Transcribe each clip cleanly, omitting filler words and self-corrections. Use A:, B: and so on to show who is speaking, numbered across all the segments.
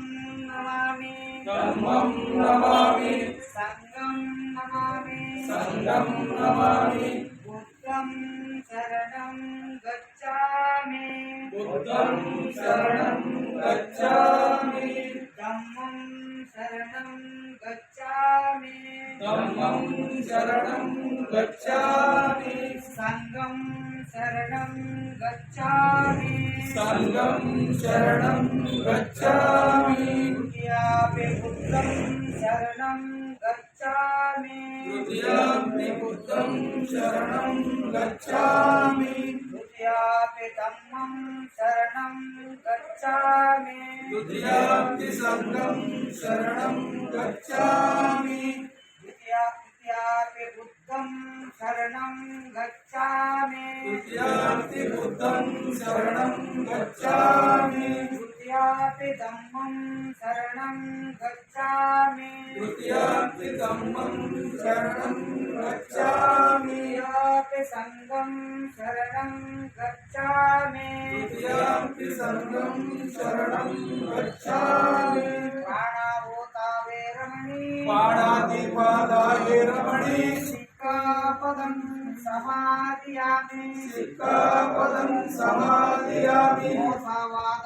A: नमामि
B: धम्मं नमामि
A: संघं नमामि
B: संघं नमामि
A: बुद्धं शरणं गच्छामि
B: बुद्धं शरणं गच्छामि
A: धम्मं शरणं गच्छामि
B: धम्मं शरणं गच्छामि
A: संघं शरणं गच्छामि
B: संघं शरणं गच्छामि
A: द्वितीयापि बुद्धं शरणं गच्छामि
B: द्वितीयापि बुद्धं शरणं गच्छामि
A: द्वितीयापि धम्मं शरणं गच्छामि
B: द्वितीयापि संघं शरणं गच्छामि
A: द्वितीयापि बुद्धं शरणं गच्छामि
B: द्वितीयापि बुद्धं शरणं गच्छामि
A: द्वितीयापि धम्मं शरणं गच्छामि
B: द्वितीयापि धम्मं शरणं गच्छामि
A: द्वितीयापि संघं शरणं गच्छामि
B: द्वितीयापि संघं शरणं गच्छामि
A: प्राणावोतावे रमणी
B: पाणातिपादाय रमणे
A: सिक्कापदं समादियामि
B: सिक्कापदं समादियामि
A: ಮೋಸವಾದ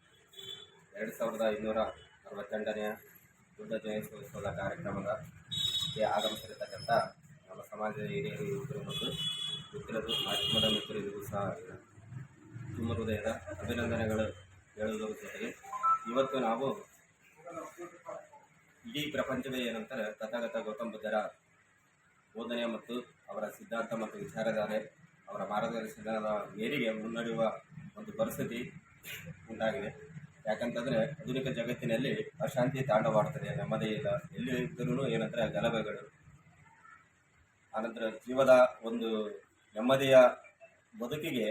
C: 2568ನೇ ಬುದ್ಧ ಜಯಂತ್ಯೋತ್ಸವದ ಕಾರ್ಯಕ್ರಮಕ್ಕೆ ಆಗಮಿಸಿರತಕ್ಕಂಥ ನಮ್ಮ ಸಮಾಜದ ಹಿರಿಯರು ಯುವಕರು ಮತ್ತು ಮಿತ್ರರು ಮಾಧ್ಯಮದ ಮಿತ್ರರಿಗೂ ಸಹ ತುಂಬ ಹೃದಯದ ಅಭಿನಂದನೆಗಳು ಹೇಳುವುದರ ಜೊತೆಗೆ ಇವತ್ತು ನಾವು ಇಡೀ ಪ್ರಪಂಚವೇ ಏನಂತಾರೆ ತಥಾಗತ ಗೌತಮ ಬುದ್ಧರ ಬೋಧನೆ ಮತ್ತು ಅವರ ಸಿದ್ಧಾಂತ ಮತ್ತು ವಿಚಾರಧಾರೆ ಅವರ ಮಾರ್ಗದರ್ಶನದ ಮೇರೆಗೆ ಮುನ್ನಡೆಯುವ ಒಂದು ಪರಿಸ್ಥಿತಿ ಉಂಟಾಗಿದೆ. ಯಾಕಂತಂದರೆ ಆಧುನಿಕ ಜಗತ್ತಿನಲ್ಲಿ ಅಶಾಂತಿ ತಾಂಡವಾಡ್ತದೆ, ನೆಮ್ಮದಿ ಇಲ್ಲ, ಎಲ್ಲಿ ಇದ್ದರೂ ಏನಂದರೆ ಗಲಭೆಗಳು, ಆನಂತರ ಜೀವದ ಒಂದು ನೆಮ್ಮದಿಯ ಬದುಕಿಗೆ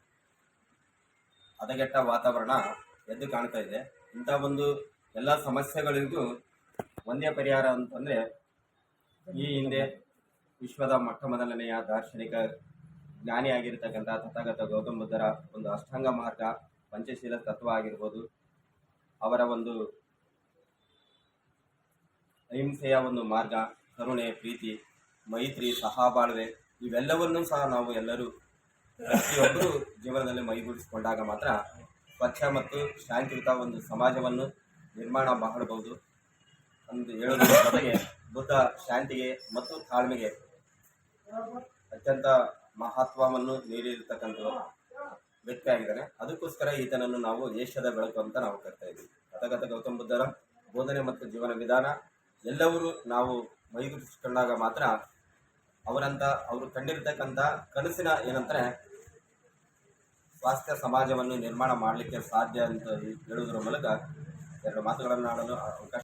C: ಹದಗೆಟ್ಟ ವಾತಾವರಣ ಎದ್ದು ಕಾಣ್ತಾ ಇದೆ. ಇಂಥ ಒಂದು ಎಲ್ಲ ಸಮಸ್ಯೆಗಳಿಗೂ ಒಂದೇ ಪರಿಹಾರ ಅಂತಂದರೆ ಈ ಹಿಂದೆ ವಿಶ್ವದ ಮೊಟ್ಟ ಮೊದಲನೆಯ ದಾರ್ಶನಿಕ ಜ್ಞಾನಿಯಾಗಿರ್ತಕ್ಕಂಥ ತಥಾಗತ ಗೌತಮ ಬುದ್ಧರ ಒಂದು ಅಷ್ಟಾಂಗ ಮಾರ್ಗ, ಪಂಚಶೀಲ ತತ್ವ ಆಗಿರ್ಬೋದು, ಅವರ ಒಂದು ಅಹಿಂಸೆಯ ಒಂದು ಮಾರ್ಗ, ಕರುಣೆ, ಪ್ರೀತಿ, ಮೈತ್ರಿ, ಸಹಬಾಳ್ವೆ, ಇವೆಲ್ಲವನ್ನೂ ಸಹ ನಾವು ಎಲ್ಲರೂ ಪ್ರತಿಯೊಬ್ಬರು ಜೀವನದಲ್ಲಿ ಮೈಗೂಡಿಸಿಕೊಂಡಾಗ ಮಾತ್ರ ಸ್ವಚ್ಛ ಮತ್ತು ಶಾಂತಿಯುತ ಒಂದು ಸಮಾಜವನ್ನು ನಿರ್ಮಾಣ ಮಾಡಬಹುದು ಎಂದು ಹೇಳುವುದರ ಜೊತೆಗೆ ಬುದ್ಧ ಶಾಂತಿಗೆ ಮತ್ತು ತಾಳ್ಮೆಗೆ ಅತ್ಯಂತ ಮಹತ್ವವನ್ನು ನೀಡಿರತಕ್ಕಂಥ ವ್ಯಕ್ತಿ ಆಗಿದ್ದಾನೆ. ಅದಕ್ಕೋಸ್ಕರ ಈತನನ್ನು ನಾವು ಏಷ್ಯಾದ ಬೆಳಕು ಅಂತ ನಾವು ಕರಿತಾ ಇದ್ದೀವಿ. ತಥಾಗತ ಗೌತಮ ಬುದ್ಧರ ಬೋಧನೆ ಮತ್ತು ಜೀವನ ವಿಧಾನ ಎಲ್ಲರೂ ನಾವು ಮೈಗೂಡಿಸಿಕೊಂಡಾಗ ಮಾತ್ರ ಅವರು ಕಂಡಿರ್ತಕ್ಕಂಥ ಕನಸಿನ ಏನಂದರೆ ಸ್ವಾಸ್ಥ್ಯ ಸಮಾಜವನ್ನು ನಿರ್ಮಾಣ ಮಾಡಲಿಕ್ಕೆ ಸಾಧ್ಯ ಅಂತ ಹೇಳುವುದರ ಮೂಲಕ ಎರಡು ಮಾತುಗಳನ್ನು ಆಡಲು ಅವಕಾಶ